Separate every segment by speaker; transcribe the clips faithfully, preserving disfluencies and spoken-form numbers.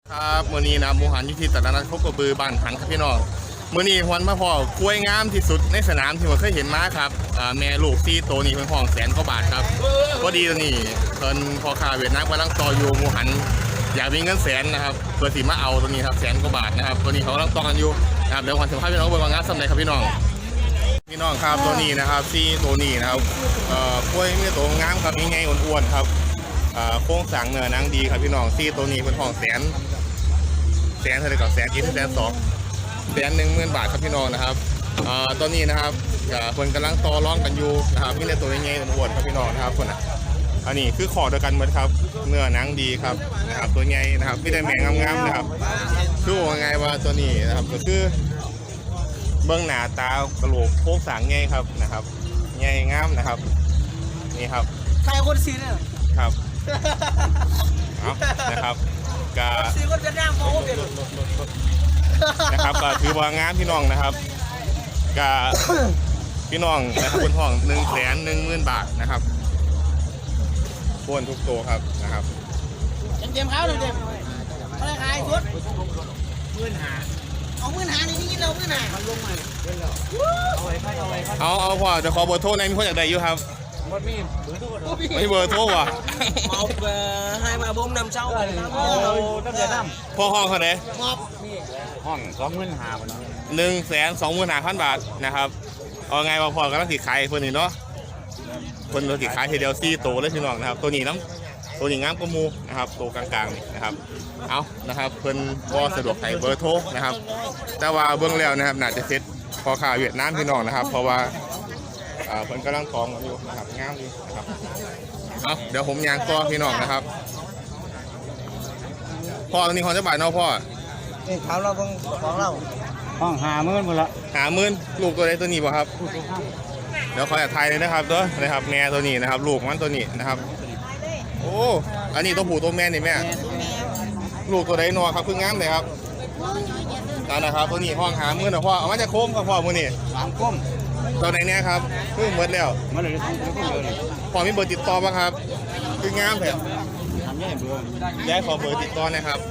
Speaker 1: ครับมื้อนี้นะหมูหันอยู่ที่ตลาดนัดโคกระบือบ้านหันครับพี่น้องมื้อนี้ฮวนมาพ่อกล้วยงามที่สุดในสนามที่ผมเคยเห็นมาครับอ่าแม่ลูกซี่ตัวนี้เพิ่นห้องแสนกว่าบาทครับพอดีตัวนี้เพิ่นพอค้าเวียดนามกำลังต่ออยู่หมูหันอยากมีเงินแสนนะครับเพื่อสิมาเอาตัวนี้ครับแสนกว่าบาทนะครับตัวนี้เขากำลังต่อกันอยู่นะครับเดี๋ยวขวัญสัมภาษณ์พี่น้องเบิ่งว่างานสำเร็จครับพี่น้องพี่น้องครับตัวนี้นะครับซี่ตัวนี้นะครับเอ่อกล้วยมีตัวงามครับง่ายๆอ้วนๆครับอ่าโครงสร้างเนื้อหนังดีครับพี่น้องซี่ตัวนี้เป็นห้องแสนแสนเท่าไหร่กับแสนอีกแสนสองแสนหนึ่งหมื่นบาทครับพี่น้องนะครับอ่าตอนนี้นะครับคนกำลังต่อร้องกันอยู่นะครับนี่เลยตัวใหญ่ๆอ้วนๆครับพี่น้องนะครับคนอ่ะอันนี้คือขอเดียวกันหมดครับเนื้อหนังดีครับนะครับตัวใหญ่นะครับไม่ได้แมงงามๆนะครับคือว่าไงว่าตัวนี้นะครับก็คือเบื้องหน้าตากระโหลกโค้งสางใหญ่ครับนะครับใหญ่งามนะครับนี่ครับ
Speaker 2: ใครคนซีเนี่ย
Speaker 1: ครับเอานะครับกา
Speaker 2: ซีคนจะนั่งมองเปลี่ยน
Speaker 1: นะครับก็ถือว่างานพี่น้องนะครับกาพี่น้องนะครับคนห้องหนึ่งแสนหนึ่งหมื่นบาทนะครับพ้นทุกตัวครับนะครับ
Speaker 2: เต็มเต็มเขาเลยเต็มอะไรขายชุดหมื่นหาเอาหมื่นหาในนี้เราหมื่นหาเอาลงมาเอาไว้เอาไว้
Speaker 1: เอาเอาพอจะขอเบอร์โทรในมีคนอยากได้อยู่ครับ
Speaker 2: ไม่มีเบอร์โทร
Speaker 1: ไม่เบอร์โทรว่ะ
Speaker 2: เอาเบอร์ให้มาบ่มนำเช้าเลยเอาตั้งแต่น้
Speaker 1: ำพ่อห้องเขาไหน
Speaker 2: ห้องสองหมื่นหาบาท
Speaker 1: หนึ่งแสนสองหมื่นห้าพันบาทนะครับเอาไงว่าพอกำลังติดขายคนนี้เนาะคนเราติดขายทีเดียวซี่โตเลยพี่น้องนะครับตัวนี้น้ำตัวนี้งามกมูนะครับตัวกลางๆนี่นะครับเอานะครับเพิ่นก็สะดวกให้เบอร์โทรนะครับแต่ว่าเบื้องแล้วนะครับน่าจะเซ็ตพอข่าวเวียดนามพี่น้องนะครับเพราะว่าเพิ่นกำลังท้องกันอยู่นะครับงามดีนะครับเอาเดี๋ยวผมยางต่อพี่น้องนะครับพ่อตัวนี้ของเจ้าบ่ายเนาะพ่อ
Speaker 2: นี่เขาเราของของเราห้องหาหมื่นหมดละ
Speaker 1: หาหมื่นลูกตัวใดตัวนี้บ่ครับเดี๋ยวขอแอบถ่ายเลยนะครับตัวนะครับแม่ตัวนี้นะครับลูกมันตัวนี้นะครับโอ้อันนี้ตัวผู้ตัวแม่นี่แม่ลูกตัวใดนัวครับเพิ่งงามเลยครับนั่นนะครับตัวนี้ห้องหาหมื่นนะพ่อเอามาจากโคมครับพ่อมือนี่
Speaker 2: สามโคม
Speaker 1: ตัวไหนเนี่ยครับเพิ่งหมดแล้ว
Speaker 2: มาเลย
Speaker 1: พอมีเบอร์ติดต่อป่ะครับคืองามแผ่ย้ายขอเบอร์ติดต่อนะครับ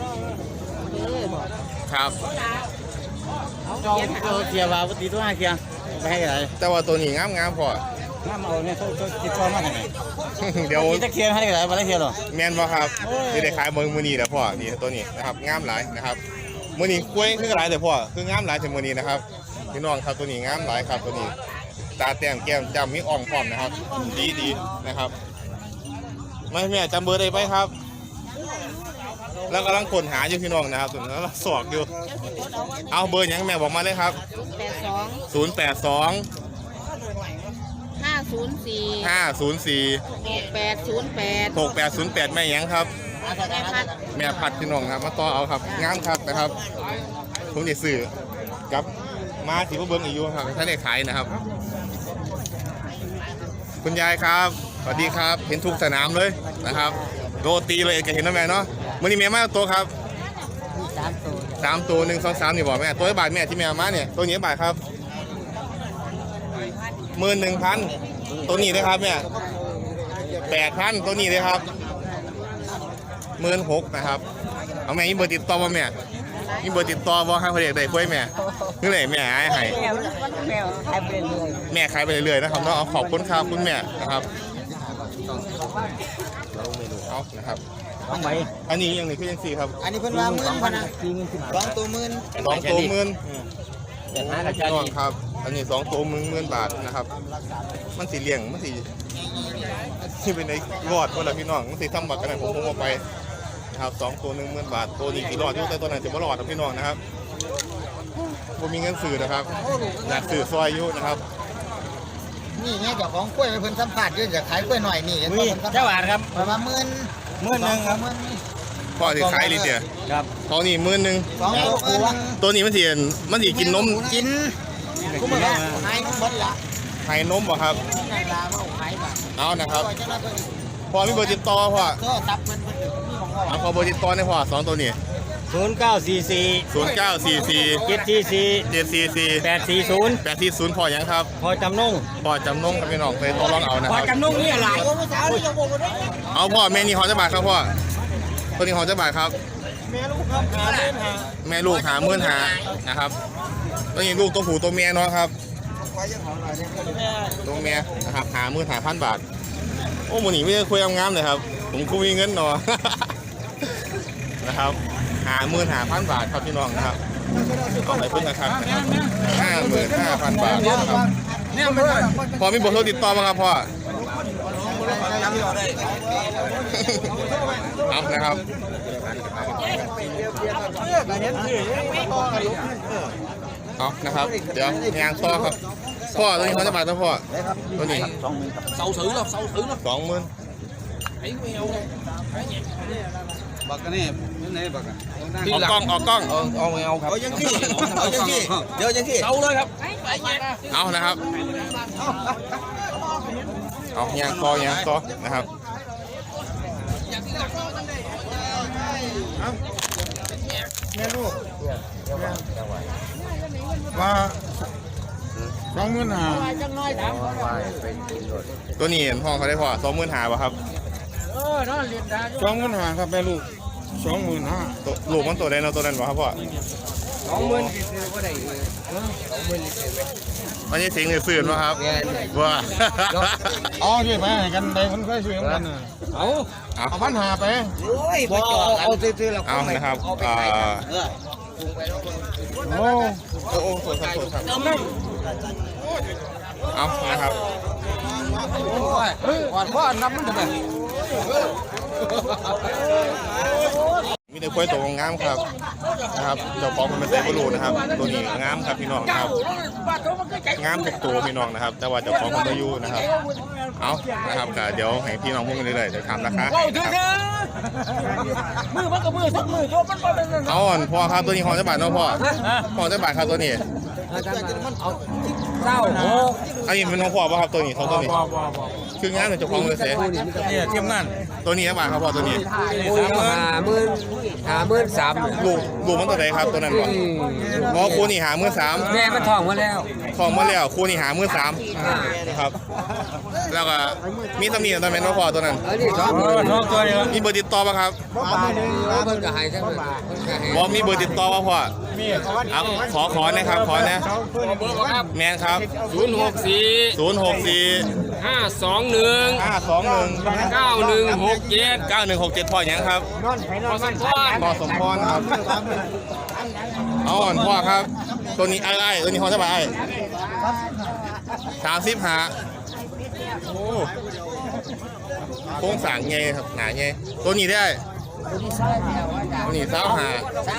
Speaker 1: ครับ
Speaker 2: จองตัวเกียร์ว่าปกติตัวห้าเกียร์ไปให้อะไร
Speaker 1: แต่ว่าตัวนี้งามงามพอ
Speaker 2: น้ำเอาเนี่ยเขาติดต่อมาทำไม
Speaker 1: เดี๋ยว
Speaker 2: จะเกียร์ให้อะไรมาได้เกียร์หรอ
Speaker 1: แมนป่ะครับจะได้ขายเบอร์มือนีแต่พ่อนี่ตัวนี้นะครับงามหลายนะครับมือนีกล้วยคือหลายแต่พ่อคืองามหลายถึงมือนีนะครับพี่น้องครับตัวนี้งามหลายครับตัวนี้ตาแต้มแก้มจำมีอ่องพร้อมนะครับดีดีนะครับไม่แม่จำเบอร์ได้ไหมครับแล้วกำลังค้นหาอยู่พี่น้องนะครับส่วนแล้วสอกอยู่เอาเบอร์ยังแม่บอกมาเลยครับศูนย์แปดสอง
Speaker 3: ห้าศูนย์สี่
Speaker 1: ห้าศูนย์สี่
Speaker 3: หกแปดศูนย์แปด
Speaker 1: หกแปดศูนย์แปดแม่ยังครับแม่พัดพี่น้องครับมาต่อเอาครับงามครับนะครับผมจะสื่อกับมาสีพวกเบิ้งอีกอยู่ครับท่านได้ขายนะครับคุณยายครับสวัสดีครับเห็นทุกสนามเลยนะครับโรตีเลยจะเห็นนะแม่เนาะวันนี้แม่มาตัวครับ
Speaker 2: สามตัว
Speaker 1: สามตัวหนึ่งสองสามนี่บอกแม่ตัวบาทแม่ที่แม่มาเนี่ยตัวนี้บาทครับหมื่นหนึ่งพันตัวนี้เลยครับแม่แปดพันตัวนี้เลยครับหมื่นหกนะครับเอาแม่มีเบอร์ติดต่อมาแม่มีเบอร์ติดต่อว่าให้เขาเรียกได้คุยแม่นี่เลยแม่ให้ให้แม่ขายไปเรื่อยๆนะครับเนาะขอบคุณครับคุณแม่นะครับเอานะครับอันนี้ยังนี่คือยังสี่ครับ
Speaker 2: อันนี้เพิ่นว่าหมื่นพันนะสองตัวหมื่น
Speaker 1: สองตัวหมื่นน้องครับอันนี้สองตัวหมื่นหมื่นบาทนะครับมันสีเลี้ยงมันสีที่เป็นในรอดคนละพี่น้องมันสีทำบัตรกันไหนผมผมเอาไปนะครับสองตัวหนึ่งหมื่นบาทตัวนี้กี่รอดอยู่แต่ตัวไหนจะไม่รอดครับพี่น้องนะครับผมมีเงินสื่อนะครับอยากสื่อซอยอยู่นะครับ
Speaker 2: นี่ไงเจ้าของกล้วยเพิ่นสัมผัสด้วยจะขายกล้วยหน่อยนี่เห็น
Speaker 4: บ่เจ้าหวานครับ
Speaker 2: ประมาณหมื่น
Speaker 4: หมื่นหนึ่งครับ
Speaker 1: พ่อที่ขายลิเดีย
Speaker 4: ครับ
Speaker 1: เขานี่หมื่นหนึ่ง
Speaker 2: สองตัวคู
Speaker 1: ตัวนี้มันสีมันสีกินนม
Speaker 2: กินกูมาแล้วหายนมหมดละ
Speaker 1: หายนมบ่ครับเอานะครับพอมีเบอร์ติดต่อพ่อเอาพอเบอร์ติดต่อในพ่อสองตัวนี้
Speaker 4: ศูนย์เก้าสี่สี่
Speaker 1: ศูนย์เก้าสี่สี่
Speaker 4: เจ็ดสี่สี่
Speaker 1: เจ็ดสี่สี่
Speaker 4: แปดสี่ศูนย์
Speaker 1: แปดสี่ศูนย์พอยังครับ
Speaker 4: พอจำนง
Speaker 1: พอจำนงครับพี่น้องไปต่อรองเอานะครับ
Speaker 4: พอจำนงนี่อะไร
Speaker 1: เอาพ่อแม่นี่หอจะบาทครับพ่อตัวนี้หอจะบาทครับแม่ลูกหาหมื่นหานะครับตัวนี้ลูกตัวผู้ตัวเมียเนาะครับตัวเมียนะครับหาหมื่นหาพันบาทโอ้หมูนี่ไม่ได้คุยงามเลยครับผมคุยเงินเนาะ นะครับหาหมื่นหาพันบาทครับพี่น้องนะครับเอาไปพึ่งนะครับห้าหมื่นห้าพันบาทนะครับพอมีบทโทรติดต่อมาครับพ่อเอานะครับเอานะครับเดี๋ยวงานต่อครับพ่อตัวนี้เขาจะมาตัวพ่อตัวนี้เสาถือหรอเสาถือหรอสองหมื่นบักกันนี่ยังไงบักกันออกกล้องออกกล้องเอาเอาเอาครับเอายังที่เอายังที่เดี๋ยวยังที่เอาเลยครับเอานะครับเอายางคอยางคอนะครับแม่ลูกว่าสองหมื่นห้าตัวนี้เห็นพ่อเขาได้พอสองหมื่นห้าป่ะครับสองหมื่นห้าครับแม่ลูกสองหมื่นห้าลูกมันตัวใดเนาะตัวนั้นป่ะครับพ่อสองหมื่นวันนี้สิงห์สื่อป่ะครับว่าอ๋อที่ไปกันใดคนเคยสื่อกันเอาเอาพันหาไปเอาเอาซื้อๆแล้วเอานะครับอ่าโอ้โอ้สวยครับสวยครับเอานะครับก่อนพ่อนับมันทำไมมีแต่กล้วยตัวงามครับนะครับเจ้าของมันเป็นเซฟรูนะครับตัวนี้งามครับพี่น้องครับงามทุกตัวพี่น้องนะครับแต่ว่าเจ้าของมันไม่อยู่นะครับเอานะครับเดี๋ยวให้พี่น้องพูดกันเรื่อยๆเดี๋ยวทำราคามือมันกับมือทุกมือตัวมันเป็นเอาอ่อนพ่อครับตัวนี้หอมจะบาทเนาะพ่อหอมจะบาทครับตัวนี้เศร้าอันนี้เป็นน้องพ่อป่ะครับตัวนี้เขาตัวนี้คืองานเป็นเจ้าของเลยเสียเนี่ยเทียมงานตัวนี้จะบาทครับพ่อตัวนี้
Speaker 4: หาหมื่นหาหมื่นสาม
Speaker 1: ลูกลูกมันตัวไหนครับตัวนั้นบ่อ๋อครูนี่หาหมื่นสาม
Speaker 4: แม่มันทองมาแล้ว
Speaker 1: ทองมาแล้วครูนี่หาหมื่นสามนะครับแล้วก็มีตำหนิตัวไหนน้องพ่อตัวนั้นมีเบอร์ติดต่อป่ะครับบอกมีเบอร์ติดต่อป่ะพ่อขอขอนะครับขอนะแมนครับ
Speaker 5: ศูนย์หกสี่
Speaker 1: ศูนย์หกสี่
Speaker 5: ห้าสองหนึ่ง
Speaker 1: ห้าสองหนึ่ง
Speaker 5: เก้าหนึ่งหกเจ็ด
Speaker 1: เก้าหนึ่งหกเจ็ดพ่อยังครับ
Speaker 5: พอสมพร
Speaker 1: พ่อสมพรครับเอาอ่อนพ่อครับตัวนี้ไอ้ไอ้ตัวนี้เขาจะไปไอ้สามสิบหาโอ้โค้งสางไงครับหนาไงตัวนี้ได้ตัวนี้เท้าหา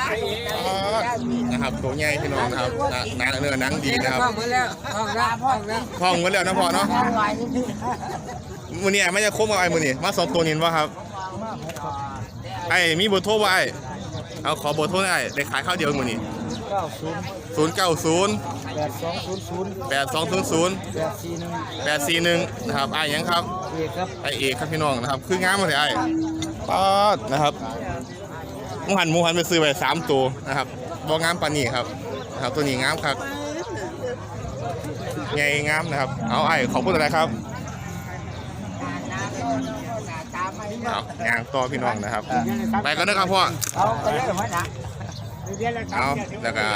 Speaker 1: นะครับตัวใหญ่พี่น้องนะครับหนังเนื้อหนังดีนะครับคล่องกันแล้วนะพ่อเนาะมือนี้ไม่จะคบกับไอ้มือนี้มาสองตัวนี้วะครับไอ้มีเบอร์โทรไว้เอาขอเบอร์โทรได้ได้ขายข้าวเดียวมือนี้ศูนย์เก้าศูนย์แปดสองศูนย์ศูนย์แปดสี่หนึ่งนะครับไอ้ยังครับไอ้เอกครับพี่น้องนะครับคืองามมาเลยไอ้ป๊อดนะครับมูหันมูหันไปซื้อไปสามตัวนะครับบองามปานี่ครับนะครับตัวนี้งามครับไงงามนะครับเอาไอ้ขอบคุณอะไรครับเอางานต่อพี่น้องนะครับไปกันนะครับพ่อเอาแล้วก็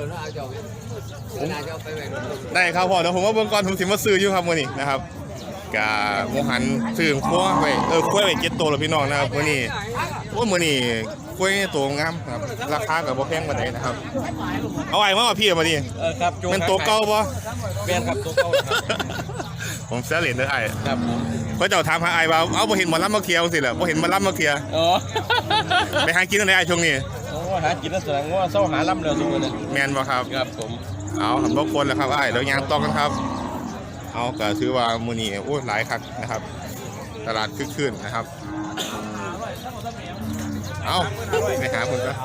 Speaker 1: ได้ครับพ่อเดี๋ยวผมว่าเบื้องก่อนผมสิมาซื้ออยู่ครับวันนี้นะครับกับโมหันซื้อขั้วไปเออขั้วไปเจ็ดตัวแล้วพี่น้องนะครับวันนี้ว่าวันนี้ขั้วตัวงามครับราคากับโบแพงกว่าไหนนะครับเอาไอ้มาพี่มาดิเป็นตัวเก่าปะ
Speaker 5: เป็นครับตัวเก่า
Speaker 1: ผมเสียเหรียญเลยไอ้ครับเขาจะทำหาไอ้บ่าวเอาพอเห็นมันรับมาเคลียร์สิเหรอพอเห็นมันรับมาเคลียร์
Speaker 5: อ๋อ
Speaker 1: ไปหากินอะไรไอ้ช่วงนี้
Speaker 5: โอ้หากินแล้วแสดงว่าเศร้าหาล่ำเรือทุกคนเลย
Speaker 1: แมนบ่ครับ
Speaker 5: ครับผม
Speaker 1: เอาทำบกคนแล้วครับไอ้เดี๋ยวยางต้องกันครับเอาก็ซื้อว่ามือนี่โอ้หลายคักนะครับตลาดคึกคืนนะครับเอาไปหาคุณก็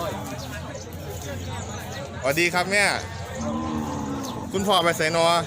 Speaker 1: สวัสดีครับแม่คุณพ่อไปใส่นอ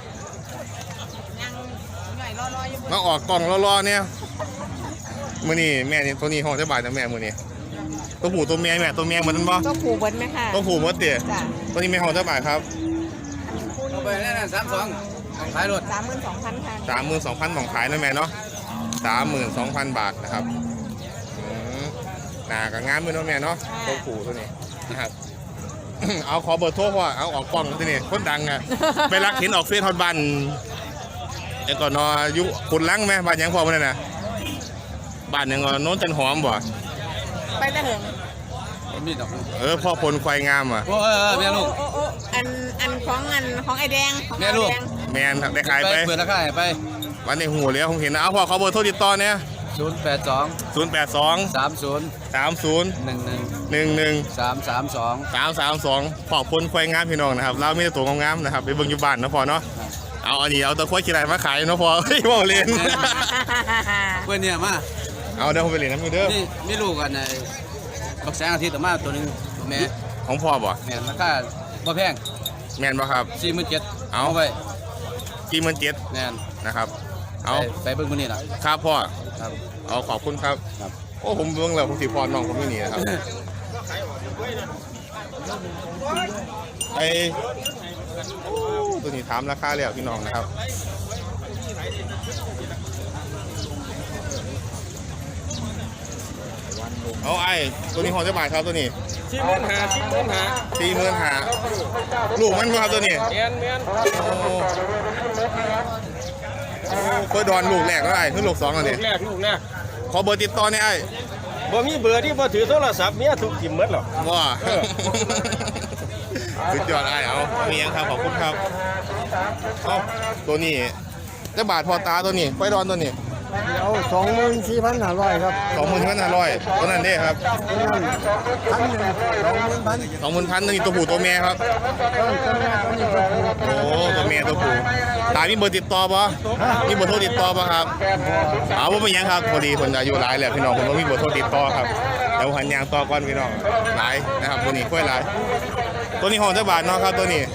Speaker 1: มาออกกล่องรอๆเนี่ยมือนี่แม่นี่ตัวนี้ห้องจะบาดนะแม่มือนี่ตัวผู้ตัวเมียแม่ตัวเมียเหมือนกันปะ
Speaker 3: ตัวผู้เบิ้ลไหมคะ
Speaker 1: ตัวผู้มดเตี๋ยตัวนี้ไม่ห้องจะบาดครับ
Speaker 5: เอาไปแน่ๆสามสองของขายรถ
Speaker 3: สามหมื่นสองพันค่ะ
Speaker 1: สามหมื่นสองพันของขายนะแม่เนาะสามหมื่นสองพันบาทนะครับหนากับงามมือเนาะแม่เนาะตัวผูตัวนี้นะครับ เอาขอเบอร์โทรพ่อเอาออกกล้องตัวนี้คนดังอะไปรักเห็นออกเฟซฮอตบันไอ้ก่อนนอยุคุณลังไหมบ้านยังพ่อมันน่ะบ้านยังก่อนโน้นจันหอมบ่
Speaker 3: ไปตะเหิง
Speaker 5: มีดอก
Speaker 1: เออพ่อพลควายงามอ่ะ
Speaker 5: โอ้เออแม่ลูก
Speaker 3: โอ้โอ้อันอันของอันของไอ้แดงของ
Speaker 5: แม่ลูก
Speaker 3: ไอ้ดง
Speaker 1: แมนได้ขายไป
Speaker 5: เปิดราคาให้ไป
Speaker 1: วันในหูแล้วผมเห็นนะเอาพ่อขอเบอร์โทรติดต่อเนี่ย
Speaker 5: ศูนย์แปดสอง
Speaker 1: ศูนย์แปดสอง
Speaker 5: สามศูนย์
Speaker 1: สามศูนย์
Speaker 5: หนึ่งหนึ่ง
Speaker 1: หนึ่งหนึ่ง
Speaker 5: สามสามสอง
Speaker 1: สามสามสองพ่อพลควายงามพี่น้องนะครับเราไม่ได้ตัวงามๆนะครับไปเบิ่งอยู่บ้านนะพ่อเนาะเอาอันนี้เอาตะควายขี้ไรมาขายเนาะพ่อเฮ้ยพ่อเล่น
Speaker 5: เพื่อนเนี่ยมา
Speaker 1: เอาเดี๋ยวผมไปเล่นน้ำมือเด้อ
Speaker 5: นี่มีลูกกันในบักแสงอาทิตย์ต่อมาตัวหนึงแม่
Speaker 1: ของพ่อบ่
Speaker 5: แม่ราคาบ่แพง
Speaker 1: แมนบ่ครับ
Speaker 5: สี่หมื่นเจ็ด
Speaker 1: เอา
Speaker 5: ไป
Speaker 1: กี่หมื่นเจ็ด
Speaker 5: แม่น
Speaker 1: นะครับเอา
Speaker 5: ไปไปเบิ่งมื้อนี้ล่ะ
Speaker 1: ครับพ่อ
Speaker 5: ครับ
Speaker 1: เอาขอบคุณครับ
Speaker 5: ครับ
Speaker 1: โอ้ผมเบิ่งแล้วผมสิพรน้องผมไม่หนีนะครับ ไอโอ้ตัวนี้ถามราคาแล้วพี่น้องนะครับเอาไอ้ตัวนี้หอจะบาทครับตัวนี้
Speaker 6: ที่มื่นหาที่มื่นหา
Speaker 1: สี่หมื่นหาลูกมันบ่ครับตัวนี้
Speaker 6: เมียนเมียน
Speaker 1: โอ้โอ้เพื่อดอนลูกแรกแล้วไอ้คือลูกสองแล้ว
Speaker 6: ลู
Speaker 1: เนี่ย
Speaker 6: กแรกลูกแรก
Speaker 1: ขอเบอร์ติดต่อเนี่ยไอ้
Speaker 6: บ่มีเบอร์ที่บ่ถือโทรศัพท์เมียถูกกิมหมดหรอก
Speaker 1: ว่า สุดยอดไอ้เอามียังครับขอบคุณครับเอาตัวนี้จะบาทพอตาตัวนี้ไฟดอนตัวนี้
Speaker 2: เอาสองหมื่นสี่พันห้าร้อยครับ
Speaker 1: สองหมื่นพันห้าร้อยตัวนั้นเด้ครับ
Speaker 2: พันหนึ่งสองหมื่นพัน
Speaker 1: สองหมื่นพันตัวนี้ตัวผู้ตัวแม่ครับ
Speaker 2: ต้นต้นแรกต้นนี้ก็ถูก
Speaker 1: โอ้ตัวแม่ตัวผู้ตามีเบอร์ติดต่อปะมีเบอร์โทรติดต่อปะครับเอาว่าไม่ยังครับพอดีคนอายุหลายแหละพี่น้องผมว่ามีเบอร์โทรติดต่อครับเดี๋ยวหันยางต่อก่อนพี่น้องหลายนะครับตัวนี้ค่อยหลายตัวนี้ห้องจะบาทเนาะครับตัวนี้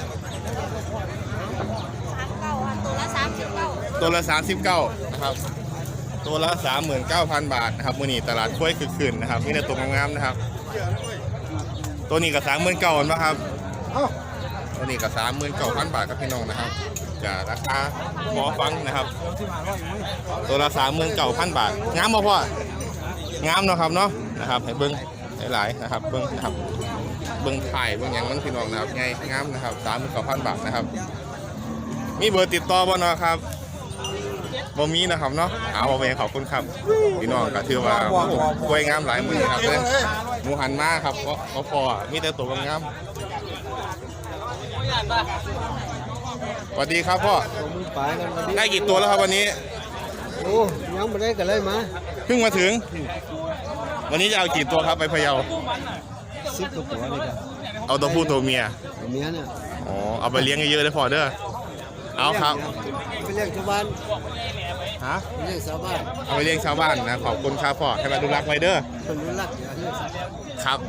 Speaker 1: ตัวละสามสิบเก้านะครับตัวละสามหมื่นเก้าพันบาทนะครับมือนี้ตลาดช่วยคึกคืนนะครับมีแต่ตัวงามๆนะครับ ตัวนี้กับสามหมื่นเก้านะครับตัวนี้กับสามหมื่นเก้าพันบาทครับพี่น้องนะครับจะราคาหมอฟังนะครับ ตัวละสามหมื่นเก้าพันบาทงามบ่พ่องามเนาะครับเนาะนะครับให้เบิ้งหลายๆนะครับเบิ้งนะครับเบิ้งถ่ายเบิ้งหยังมันพี่น้องนะครับไงงามนะครับสามหมื่นเก้าพันบาทนะครับมีเบอร์ติดต่อบ่เนาะครับบ่มีนะครับเนาะเอาไปขอบคุณครับพี่น้องก็ถือว่าโอ้โหกล้วยงามหลายมือครับเลยหมูหันมาครับก็ก็พอมีแต่ตัวงามสวัสดีครับพ่อ
Speaker 2: ไปกันวันนี้
Speaker 1: ได้กี่ตัวแล้วครับวันนี้
Speaker 2: โอ้ยังไม่ได้กันเลยมา
Speaker 1: เพิ่งมาถึง วันนี้จะเอากี่ตัวครับไปพะเยา
Speaker 2: สิบกว่าตัวเลยครับ
Speaker 1: เอาตัวผู้ตัวเมีย
Speaker 2: เมียเนี่ย
Speaker 1: อ๋อเอาไปเลี้ยงเยอะๆเลยพอเด้อเอาครับ
Speaker 2: ไปเลี้ยงชาวบ้าน
Speaker 1: ฮะ
Speaker 2: ไปเลี้ยงชาวบ้าน
Speaker 1: เอาไปเลี้ยงชาวบ้านนะขอบคุณครับพ่อให้มาดูรักไว้เด้อ
Speaker 2: คนรู้รักอย่าเลี้ยงสัตว์
Speaker 1: ครับ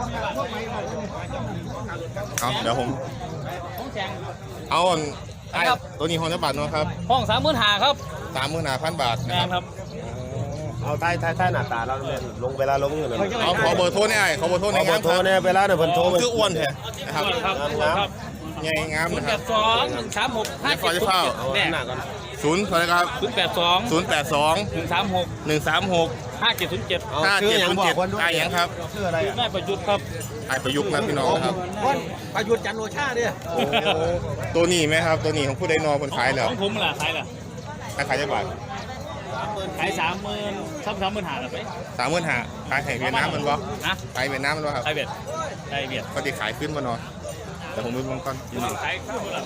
Speaker 1: เอาเดี๋ยวผมเอาอันไอ้ตัวนี้ฮอนเท่าบาทเนาะครับ
Speaker 6: ห้องสามหมื่นหาครับ
Speaker 1: สามหมื่นห้าพันบาทนะ
Speaker 6: แม่
Speaker 1: ครับ
Speaker 6: นครับ
Speaker 7: เอาท้ายท้ายท้ายหน้าตาเราเนี่ยลงเวลาลงอยู่เนี่ย
Speaker 1: เอาขอเบอร์โทรเนี่ยไอ้ขอเบอร์โทร
Speaker 7: ข
Speaker 1: ใน
Speaker 7: อเบ
Speaker 1: งา
Speaker 7: อ
Speaker 1: ม
Speaker 7: ร์โทรเนี่ยเวลาเนี่ยเพิ่นโทร
Speaker 1: ชื่ออ้วนแท้นะครับ
Speaker 6: ครับครับ
Speaker 1: ไงงาม
Speaker 6: ศูน
Speaker 1: นะ
Speaker 6: ย์
Speaker 1: ค
Speaker 6: แป
Speaker 1: รับ
Speaker 6: ดสองหนึ่งสามหกห้า
Speaker 1: ขอ
Speaker 6: เจ็ด
Speaker 1: จะเข้า
Speaker 6: แน่
Speaker 7: หน้าก่อน
Speaker 1: ศูนย์เท่าไหร่ครับ
Speaker 6: ศูนย์แปดสอง
Speaker 1: ศูนย์แปดสอง
Speaker 6: หนึ่งสามหก
Speaker 1: หนึ่งสามหก
Speaker 6: ห้าเจ็ดศูนย์เจ็ด
Speaker 1: ห้าเจ็ดศูนย์เจ็ดไอ้ยังครับ
Speaker 7: ชื่ออะไรอ่ะ
Speaker 6: ได้ประยุทธ์ครับ
Speaker 1: ไอ้ประยุกต์นะพี่น้องนะครับ
Speaker 2: วันประยุทธ์จันทร์โอชาเนี่ย
Speaker 1: โอ้ตัวนี้ไหมครับ ตัวนี้ของผู้ใดนอคนขายแล้ว
Speaker 6: ของผมล่ะขายล่ะ
Speaker 1: ขายขายจะบาท
Speaker 6: ขายสามหมื่นสามสามหมื่นหาเลยไป
Speaker 1: สามหมื่นห้าขายแข่งเวียดนามมันบ่
Speaker 6: นะ
Speaker 1: ขายเวียดนามมันบ่ครับ
Speaker 6: ขายเบียดขายเบียด
Speaker 1: ก็ติขายขึ้นบ่เนอนแต่ผมไปมองก่อนพี่น้อง
Speaker 6: ขายข้าวละ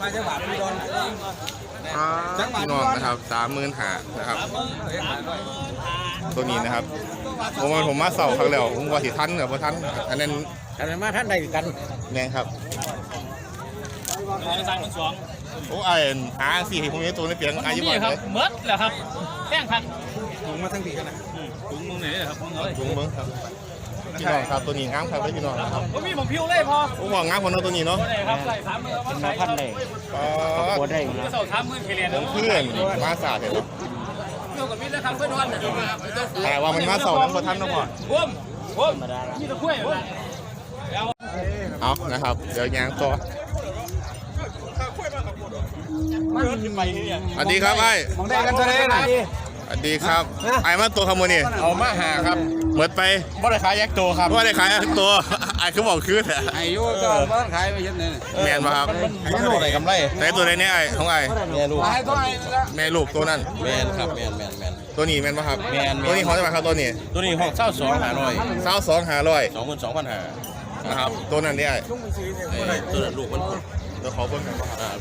Speaker 1: พี่น้องนะครับสามหมื่นห้านะครับ ตัวนี้นะครับผมว่าผมมาเสาครั้งแล้วผมว่าสิทันเหรอบ่ทันอันนั้น
Speaker 2: อันนั้นมาท่านใดกัน
Speaker 1: แม่งครับ
Speaker 6: สามหมื่นสอง
Speaker 1: โอ้ไอ้หาสี่ผมมีตัวในเปียงอายุ
Speaker 6: นี่
Speaker 1: บ่
Speaker 6: ครับ
Speaker 1: เลย
Speaker 6: เมิดแหละครับแป้งพัน
Speaker 2: ลงมาทั้งทีกันนะ
Speaker 6: ถุงมึงไหนครับมึงเอ้ย
Speaker 1: จุงเบิ้งครับพี่น้องครับตัวนี้งามครับพี่น้องครับ
Speaker 6: ผมมีผมพิวเลยพอ
Speaker 1: ผมบอกงามคนเนาะตัวนี้เนาะ
Speaker 6: บ่ได้ครับใส่สามหมื่นมาพันเลย
Speaker 1: อ๋อ
Speaker 2: ได้
Speaker 6: จะเสาสามหมื่นเคเลียน
Speaker 1: ผมเพื่อนมาสาดเห็นไหม
Speaker 6: เกี่ยวกับมิตรนะครับเพื่อนวัน
Speaker 1: แต่ว่ามันมาเสาทั้งประทันเนาะพ่อ
Speaker 6: ผมผมมีตะกล้วยเอา
Speaker 1: เอานะครับ เดี๋ยวยางต่อ
Speaker 6: ไปเนี่ย
Speaker 1: สวัสดีครับไอ้
Speaker 2: มองได้กันเท่าไหร่นะ
Speaker 1: สวัสดีครับไอ้มาตัวขโมยนี่
Speaker 7: เอามาหาครับ
Speaker 1: หมดไป
Speaker 6: บ่ได้ขายแยกตัวครับ
Speaker 1: ว่าได้ขายตัวไอ้เขาบอกคือแต่
Speaker 5: ไอ้ยูตอนบ้านขายไปเยอะเนี่ย
Speaker 1: แมนป่ะครับ
Speaker 6: มันโลได้กำไร
Speaker 1: แต่ตัวไหนเนี่ยไอ้ของไอ้
Speaker 6: แม่ลูก
Speaker 5: ขายตัวไหนละ
Speaker 1: แม่ลูกตัวนั้น
Speaker 6: แม่นครับแม่นแม่นแม่น
Speaker 1: ตัวนี้แมนป่ะครับ
Speaker 6: แม่นแม่น
Speaker 1: ตัวนี้ของจะมาครับตัวนี้
Speaker 6: ตัวนี้ห้องเช่าสองหาร้อย
Speaker 1: เศร้าสองหาร้อย
Speaker 6: สองหมื่นสองพันห้า
Speaker 1: นะครับตัวนั้นเนี่ยไอ้
Speaker 6: ตัวนั้นลูกมัน
Speaker 1: เดี๋ยวขอเพิ่มกันป่ะครับ
Speaker 6: อ่า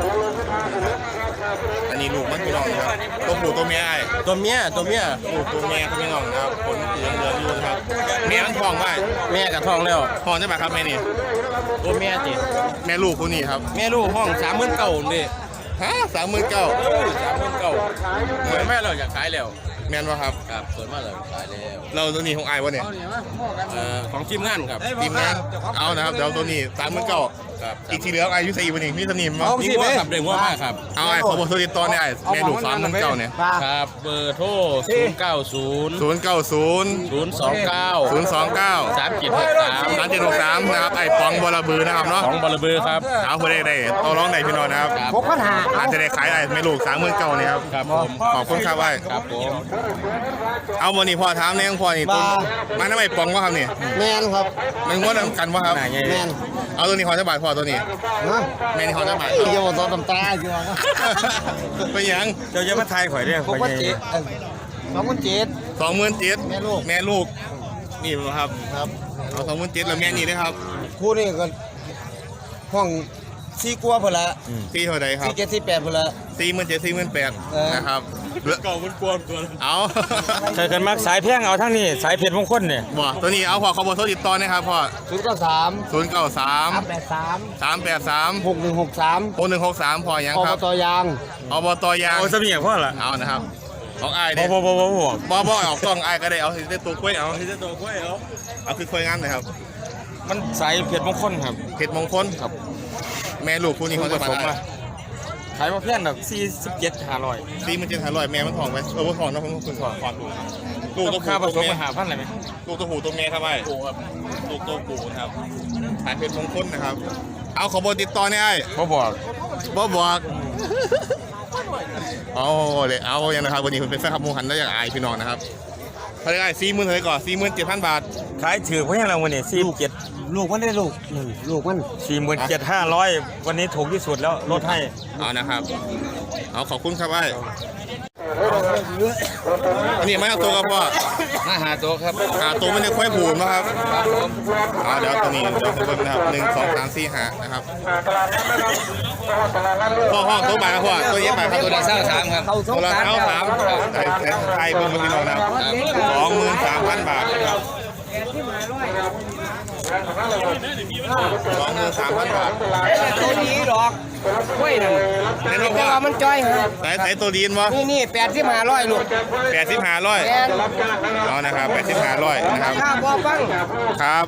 Speaker 1: อันนี้ลูกมันพี่น้องนะครับตัวผู้ตัวเมียไอ้
Speaker 6: ตัวเมียตัวเมีย
Speaker 1: ลูกตัวเมียครับพี่น้องนะครับผลเหลืองเหลืองอยู่นะครับเมียมันทองไว้
Speaker 6: แม่กับท้องแล้ว
Speaker 1: ทองใช่ป่ะครับแม่นี่
Speaker 6: ตัวเมียจิ
Speaker 1: แม่ลูกคนนี้ครับ
Speaker 6: แม่ลูกห้องสามหมื่นเก้าดิ
Speaker 1: ฮะสามหมื่นเก้า
Speaker 6: สามหมื่นเก้าเหมือนแม่เราอยากขายแล้ว
Speaker 1: แมนป่ะครับ
Speaker 6: ครับส่วนมากเราขายแล้ว
Speaker 1: เราตัวนี้ของไอ้วะเนี่ย
Speaker 6: เอ่อของทีมงานครับ
Speaker 1: ทีมงานเอานะครับเดี๋ยวตัวนี้สามหมื่นเก้า
Speaker 6: ครับ
Speaker 1: อีกทีเหลือไอ้ยุสี่วันนี้มีสนิมมั้
Speaker 6: นี่ว่าขับเร่งว่ามากครับ
Speaker 1: เอาไอ้ขอบอกตัวติดต่อเนี่ยไอ้แม่ลูกสามหมื่นเก้าเนี่ย
Speaker 6: ครับเบอร์โทรศูนย์เก้าศูนย์
Speaker 1: ศูนย์เก้าศูนย์
Speaker 6: ศูนย์สองเก้า
Speaker 1: ศูนย์สองเก้า
Speaker 6: สามเจ็ดหกสาม
Speaker 1: สามเจ็ดหกสามนะครับไอ้ปองบอระบือนะครับเนาะ
Speaker 6: ของบอลเบอร์ครับ
Speaker 1: เอาคนได้ได้ต่อร้องได้พี่น้องนะครับ
Speaker 2: หกพันห้า
Speaker 1: อาจจะได้ขายไอ้แม่ลูกสามหมื่นเก้าเนี่ยครับ
Speaker 6: ครับผม
Speaker 1: ขอบคุณครับไอ้
Speaker 6: ครับผม
Speaker 1: เอาวันนี้พ่อถามเนี่ยพ่อนี่ตัวมันทำไมปองวะครับนี่
Speaker 2: แมนครับ
Speaker 1: มันงดกันวะครับ
Speaker 2: แมน
Speaker 1: เอาตัวนี้ขอจะบาทพ่อตัวนี้
Speaker 2: นะ
Speaker 1: แม่นี่ขอจะบาท
Speaker 2: เกี่ยวกับตัวตำตาเกี่ยวกับ
Speaker 1: ไปยัง
Speaker 4: เจ้าจะมาทายข่อยเด้อ
Speaker 2: หกพันเจ็ดสองพันเจ็ด
Speaker 1: สองหมื่นเจ็ด
Speaker 2: แม่ลูก
Speaker 1: แม่ลูกนี่ครับ
Speaker 2: ครับ
Speaker 1: เอาสองหมื่นเจ็ดแล้วแม่นี่นะครับ
Speaker 2: คู่นี้ก็ห้องสี่กัวพนละ
Speaker 1: ตีเท่าไรครับ
Speaker 2: สี่เจ็ดสี่แปดพนละ
Speaker 1: สี่หมื่นเจ็ดสี่หมื่นแปด
Speaker 2: เออ
Speaker 1: นะครับเก่ามันกวนตัวเอา
Speaker 4: ใช่กันมักสายแพงเอาทั้งนี้สายเพชรมงคลเนี่ย
Speaker 1: บ่ตัวนี้เอาพอเขาบอกโทรติดต่อนะครับพ่อ
Speaker 2: ศูนย์เก้าสาม
Speaker 1: ศูนย์เก้าสาม
Speaker 2: สามแปดสาม
Speaker 1: สามแปดสาม
Speaker 2: หกหนึ่งหกสาม
Speaker 1: หกหนึ่งหกสามพอยัง
Speaker 2: อ
Speaker 1: ค
Speaker 2: บ
Speaker 1: รับ
Speaker 2: ตยาง
Speaker 1: อบตยาง
Speaker 4: เอาสมีอย่างพ่อละ
Speaker 1: เอานะครับของไอ้าย
Speaker 4: บ่
Speaker 1: เด้
Speaker 4: บ่บ่บ่บ่
Speaker 1: บ่บ่ออกกล้องไอ้ายก็ได้เอาที่ตัวกล้วยเอาที่ตัวกล้วยเอาเอาคือกล้วยงามหน่อยครับ
Speaker 4: มันสายเพชรมงคลครับ
Speaker 1: เพชรมงคลครับ แม่ลูกคู่นี้เขาจะมา
Speaker 4: ผสมมาขายมาเพี้ยนแบบสี่สิบเจ็ดห้าร้อย
Speaker 1: สี่หมื่นเจ็ดห้าร้อยแม่มันทองไหมเออมันทองนะผมคุณทองทองดูลูกตัว
Speaker 4: ค่าผ
Speaker 1: ผู้
Speaker 4: ส
Speaker 1: ตัว
Speaker 4: ม
Speaker 1: เมีย
Speaker 4: มาหาพันอะไรไหม
Speaker 1: ลูกตัวผู้ตัวเมียครับไอ้ลูกตัวผู้นะครับขายเพชรมงคลนะครับ เอาขอเบอร์ติดต่อเนี่ยไอ้
Speaker 4: บ่บอก
Speaker 1: บ่บอกเอาเลยเอาอย่างนะครับวันนี้คุณเป็นแฟนคลับหมูหันแล้วอยากอายพี่น้องนะครับเขาได้สี่หมื่นเท่าไหร่ก่อนสี่หมื่นเจ็ดพันบาท
Speaker 4: ขายถือเพี้ยนเราวันนี้สี่เจ็ด
Speaker 2: ลูกมันได้ลูกนั่นลูกมัน
Speaker 4: สี่หมื่นเจ็ดห้าร้อยวันนี้ถูกที่สุดแล้วลดให้
Speaker 1: เอานะครับ เอาขอบคุณครับไอ้อันนี้ไม่เอาตัวครับพ่อ
Speaker 5: มาหาตัวครับ
Speaker 1: หาตัวไม่ได้ค่อยบูมนะครับเอาเดี๋ยวตัวนี้เดี๋ยวผมเบิ่งนะครับหนึ่งสองสามสี่ห้านะครับพ่อห้องตัวบาทครับพ่อตัวเย็บบาทครับตัว
Speaker 5: ตัว
Speaker 1: ละ
Speaker 5: ละเศร้าสามครับ
Speaker 1: ตัวละเท้าสามไทยไทยเบิ่งมาพี่น้องนะครับสองหมื่นสามพันบาทนะครับสองหมื่นสามพันบาท
Speaker 2: ตัวนี้ดอกกล้วยนั่น
Speaker 1: เน้น
Speaker 2: แต่
Speaker 1: ว่า
Speaker 2: ว่ามันจ้อยฮะ
Speaker 1: สายสายตัวดีนวะ
Speaker 2: นี่นี่แปดที่มาร้อยลูก
Speaker 1: แปดสิบห้าร้อย
Speaker 2: แอน
Speaker 1: เอานะครับแปดสิบห้าร้อยนะครับ
Speaker 2: ข้าบ่ฟัง
Speaker 1: ครับ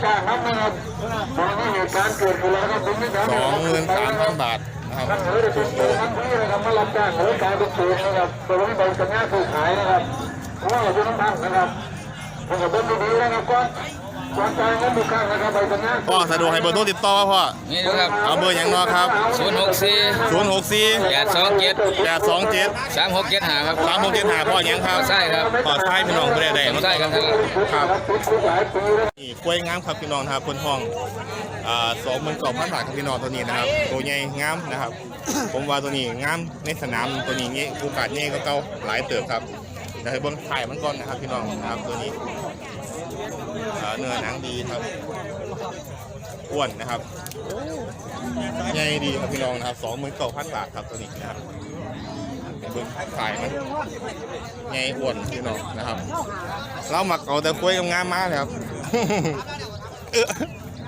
Speaker 1: สองหมื่นสามพันบาทนะครับถูกโต
Speaker 8: มารับจ้างหรือกลายเป็นศูนย์นะครับตัวนี้เป็นสัญญาซื้อขายนะครับเพราะว่าเราต้องทำนะครับผมกับเบิ้ลดีๆนะครับก่อนก่อนจ่ายเงินลูกค้านะครับใบสัญญา
Speaker 1: พ่อสะดวกให้เบอร์โทรติดต่อพ่อ
Speaker 5: นี่นะครับ
Speaker 1: เอาเบอร์อย่างนอครับ
Speaker 5: ศูนย์หกสี่
Speaker 1: ศูนย์หกสี่
Speaker 5: แปดสองเจ็ด
Speaker 1: แปดสองเจ็ด
Speaker 5: สามหกเจ็ดห้าครับ
Speaker 1: สามหกเจ็ดห้าพ่ออย่างครับ
Speaker 5: ใช่ครับ
Speaker 1: พ่อใช่พี่น้องไม่ได้ได้
Speaker 5: ใช่ครับ
Speaker 1: ครับนี่กล้วยงามครับพี่น้องนะครับคนทองอ่าสองหมื่นสองพันบาทครับพี่น้องตัวนี้นะครับตัวใหญ่งามนะครับ ผมว่าตัวนี้งามในสนามตัวนี้เงี้ยโอกาสเงี้ยก็เก่าหลายเติบครับเดี๋ยวให้เบิ้งถ่ายมันก่อนนะครับพี่น้องนะครับตัวนี้อ่าเนื้อหนังดีครับอ้วนนะครับใหญ่ดีครับพี่น้องนะครับสองหมื่นเก้าพันบาทครับตัวนี้นะครับเดี๋ยวเบิ้งถ่ายมันใหญ่อ้วนพี่น้องนะครับเราหมักเอาแต่กล้วยงามๆมากเลยครับ เออ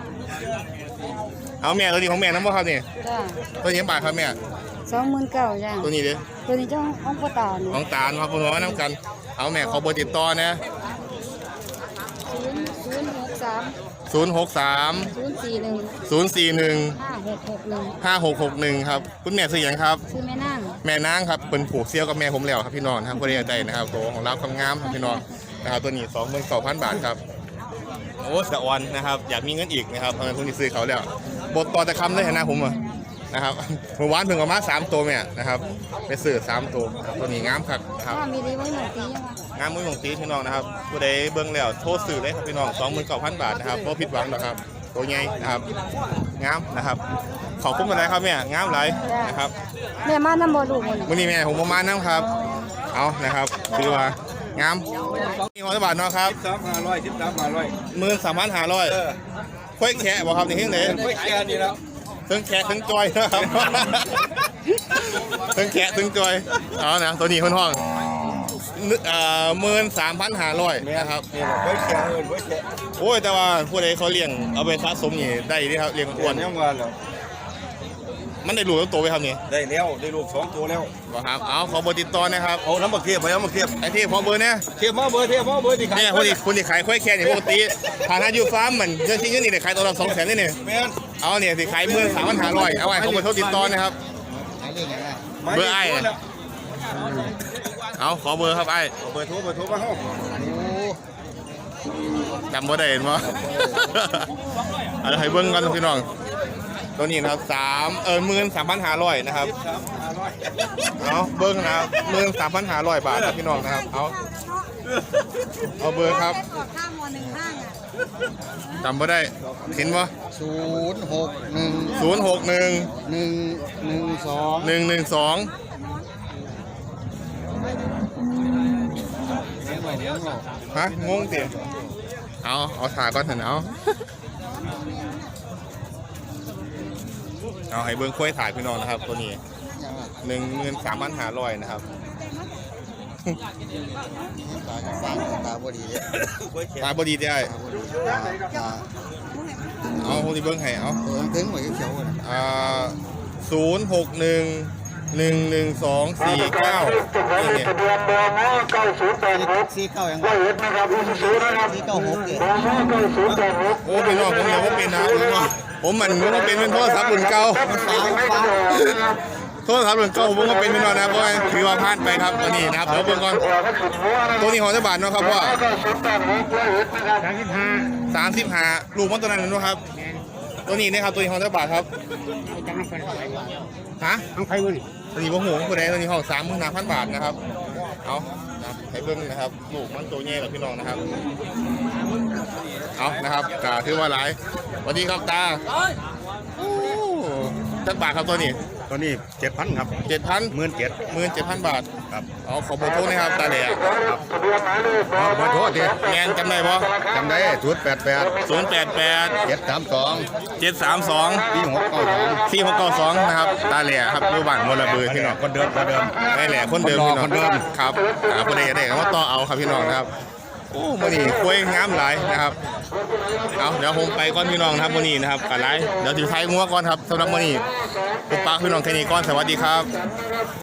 Speaker 1: เอาแม่ตัวนี้ของแม่น้ำบ่ครับนี่
Speaker 9: จ้า
Speaker 1: ตัวนี้บาทครับแม่
Speaker 9: สองหมื่นเก้าจ้า
Speaker 1: ตัวนี้เด้
Speaker 9: ตัวนี้เจ้าของพ่อตาเนี่ย
Speaker 1: ของตาลครับผมว่าน้ำกัน เอาแม่ขอเบอร์ติดต่อนะ
Speaker 9: ศูนย์ศูนย์หกสาม
Speaker 1: ศูนย์หกสาม
Speaker 9: ศูนย์สี่หนึ่ง
Speaker 1: ศูนย์สี่หนึ่ง
Speaker 9: ห้าหกหกหนึ่ง
Speaker 1: ห้าหกหกหนึ่งครับคุณแม่ซื้อหยังครับ
Speaker 9: ชื่อแม่นั่ง
Speaker 1: แม่นางครับเป็นผูกเซี่ยวกับแม่ผมแล้วครับพี่น้องครับก็เรียกใจนะครับตัวของเราความงามครับพี่น้องนะครับตัวนี้สองหมื่นเก้าพันบาทครับโอ้สะออนนะครับอยากมีเงินอีกนะครับเพราะฉะนั้นพวกนี้ซื้อเขาแล้วบทต่อแต่คำเลยนะผมอ่ะนะครับเมื่อวานเพิ่งเอามาสามตัวแม่นะครับไปซื้อสามตัวครับตัวนี้งามครับนะครับ
Speaker 9: ถ้ามีดีไว้หนึ่งปียังไง
Speaker 1: งามมือของตีพี่น้องนะครับผู้ใดเบิ่งแล้วโทรซื้อเลยครับพี่น้องสองหมื่นเก้าพันบาทนะครับบ่ผิดหวังหรอกครับตัวใหญ่นะครับงามนะครับขอบคุณกันเลยครับแม่งามหลายนะครับ
Speaker 9: แม่มาน้ำบ่ลูกมัน
Speaker 1: มื้อนี้แม่ผมประมาณนั้นครับเอานะครับคือว่างามนี่ของบาทเนาะครับ
Speaker 5: สามห้าร้อยสิบสามห้าร้อย
Speaker 1: หมื่นสามพันห้าร้อยค่อยแค่บ่ครับนี่เฮ็ดได้
Speaker 5: ไม่แค่นี้แล้ว
Speaker 1: ทั้งแขะทั้งจอยนะครับ ทั้งแขะทั้งจอยเอานะตัวนี้คนห้องเอ่อหมื่นสามพันห้าร้อยนะครับ
Speaker 5: นี่แหละไม่แค่เงินไม่แค่
Speaker 1: โอ้ยแต่ว่าผู้ใดเขาเลี้ยงเอาไปสะสมนี่ได้ดีครับเลี้ยงอ้วน
Speaker 5: ยังวันแล้ว
Speaker 1: มันได้ลูกทั้งตัวไปครับนี่
Speaker 5: ได้แล้วได้ลูกสองตัวแล้ว
Speaker 1: บ่ครับเอาขอเบอร์ติดต่อนะครับ
Speaker 5: เอาน้ำบักเทียบไปเอาบักเทียบ
Speaker 1: ไอ้ที่พอเบอร์เนี่ย
Speaker 5: เทียบมาเบอร์เทียบมาเบอร์ที่ขาย
Speaker 1: เนี่ยคนที่คนที่ขายค่อยแค่นี่ปกติฐานะอยู่ฟาร์มเหมือนเงินที่เงินนี่ได้ขายตัวละสองแสนนี่นี่
Speaker 5: แม่น
Speaker 1: เอาเนี่ยสิขายหมื่นสามพันห้าร้อยเอาไว้เขาเบอร์โทรติดต่อนะครับ เบอร์ไอ้เนี่ย เอาขอเบอร์ครับไอ้
Speaker 5: เบอร์โทรเบอร์โทรมาห้อง
Speaker 1: จำบ่ได้เห็นบ่ เอาให้เบิ่งกันพี่น้องตัวนี้นะครับสามเออหมื่นสามพันห้าร้อยนะครับเอาเบิ่งนะครับหมื่นสามพันห้าร้อยบาทครับพี่น้องนะครับเอาเอาเบอร์ครับจำบ่ได้เห็นบ่
Speaker 2: ศูนย์หกหนึ่ง
Speaker 1: ศูนย์หกหนึ่ง
Speaker 2: หนึ่งหนึ่งสอง
Speaker 1: หนึ่งหนึ่งสองฮะงงสิเอาเอาถ่ายก่อนเถอะเอาเอาให้เบิ้งค่อยถ่ายพี่น้องนะครับตัวนี้หนึ่งเงินสามพันห้าร้อยนะครับ
Speaker 2: ตาตาบดีเลย
Speaker 1: ตาบดีได้เอาคนที่เบิ้งให้เอา
Speaker 2: ตัวถึงเหมือนเขียวเลย
Speaker 1: อ่าศูนย์หกหนึ่งหนึ่งหนึ่งสองสี่เก้านี่เนี่ย
Speaker 8: ทะเบียนบมเก้าศูนย์แปดหก
Speaker 2: ซีเก้ายัง
Speaker 8: ร้อยเอ็ดนะครับรุ่นศูนย์นะครับ
Speaker 2: ซีเก้าหกเนี่ย
Speaker 8: บมเก้าศูนย์แปดหก
Speaker 1: โอ้พี่น้องผมยังไม่เป็นนะผมว่าผมมันผมว่าเป็นเป็นโทรศัพท์รุ่นเก่า
Speaker 8: สามไม่ได้นะครับ
Speaker 1: โทษครับหลวงเก่าผมก็เป็นพี่น้องนะเพราะว่าถือว่าพลาดไปครับตัวนี้นะครับเดี๋ยวเบิ่งก่อน
Speaker 8: หัวก็สุดหัวนะ
Speaker 1: ตัวนี้ของเจ้าบาทเนาะครับว่า
Speaker 8: เก้าศูนย์แปดหกร้อยเอ็ดนะครับ
Speaker 1: สามสิบห้าลูกมันตัวนั้นเนาะครับตัวนี้นะครับตัวนี้ของเจ้าบาทครับฮะ
Speaker 2: ทั้งไฟวะนี่
Speaker 1: ตัวนี้บ่หูผู้ใดตัวนี้ของสามหมื่นห้าพันบาทนะครับเอานะให้เบิ่งนะครับลูกมันตัวใหญ่กับพี่น้องนะครับเอานะครับกาถือว่าหลายสวัสดีครับตาโอ้จักบาทครับตัวนี้
Speaker 7: ตอนนี้เจ็ดพันครับ
Speaker 1: เจ็ดพัน
Speaker 7: หมื่นเจ็ด
Speaker 1: หมื่นเจ็ดพันบาท
Speaker 7: ครับ
Speaker 1: เอาขอเบอร์โทรนะครับตาเหล่
Speaker 8: ทะเบียนหมายเลขบ
Speaker 7: ขอโทษที
Speaker 1: แมนจำได้ปะ
Speaker 7: จำได้ศูนย์แปดแปด
Speaker 1: ศูนย์แปดแปด
Speaker 7: เจ็ดสามสอง
Speaker 1: เจ็ดสามสอง
Speaker 7: ปีหกเก้าสอง
Speaker 1: สี่หกเก้าสองนะครับตาเหล่ครับดูบ้านมลบือพี่น้อง
Speaker 7: คนเดิมคนเดิม
Speaker 1: ได้แหล่คนเดิมพี่น้อง
Speaker 7: คนเดิม
Speaker 1: ครับหาประเดี๋ยวได้ก็ต่อเอาครับพี่น้องนะครับโอ้มื่อนี้คุยงามหลายนะครับเอาเดี๋ยวผมไปก่อนพี่น้องนะครับมื่อนี้นะครับกันไรเดี๋ยวถือไทยงัวก่อนครับสำหรับมื่อนี้ปุ๊บปักพี่น้องแค่นี้ก่อนสวัสดีครับ